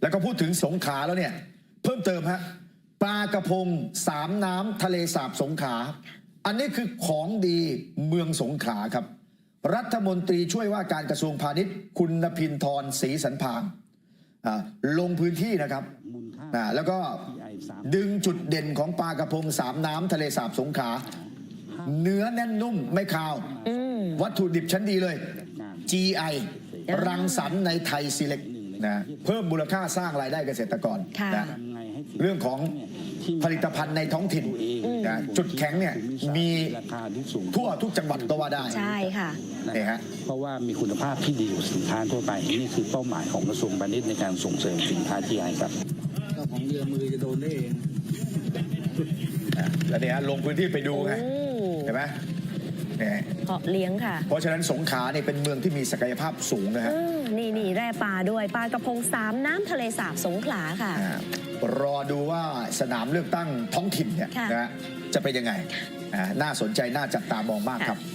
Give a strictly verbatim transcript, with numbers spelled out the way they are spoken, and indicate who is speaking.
Speaker 1: แล้วก็พูดถึงสงขลาแล้วเนี่ยเพิ่มเติมฮะปลากระพงสามน้ำทะเลสาบสงขลาอันนี้คือของดีเมืองสงขลาครับรัฐมนตรีช่วยว่าการกระทรวงพาณิชย์คุณนภินทร์ศรีสันพางลงพื้นที่นะครับแล้วก็ดึงจุดเด่นของปลากระพงสามน้ำทะเลสาบสงขลาเนื้อแน่นนุ่มไม่คาววัตถุดิบชั้นดีเลย จี ไอ รังสรรค์ในไทยซีเล็กนะเพิ่มมูลค่าสร้างรายได้เกษตรกรนะเรื่องของผลิตภัณฑ์ในท้องถิ่นนะจุดแข็งเนี่ยมีทั่วทุกจังหวัดก็ว่าได้
Speaker 2: ใช่ค่ะ
Speaker 1: นี่ฮะ
Speaker 3: เพราะว่ามีคุณภาพที่ดีกว่าสินค้าทั่วไปนี่คือเป้าหมายของกระทรวงพาณิชย์ในการส่งเสริมสินค้า จี ไอ ครับ
Speaker 4: เจ้าของเรือมือจะโดนได้เอง
Speaker 1: แล้วเนี่ยลงพื้นที่ไปดูไงเห็นไหม
Speaker 2: เพาะเลี้ยงค่ะ
Speaker 1: เพราะฉะนั้นสงขลาเนี่ยเป็นเมืองที่มีศักยภาพสูงนะฮะ
Speaker 2: นี่นี่แร่ปลาด้วยปลากระพงสามน้ำทะเลสาบสงขลาค่ะ
Speaker 1: รอดูว่าสนามเลือกตั้งท้องถิ่นเนี่ยนะจะเป็นยังไงน่าสนใจน่าจับตามองมากครับ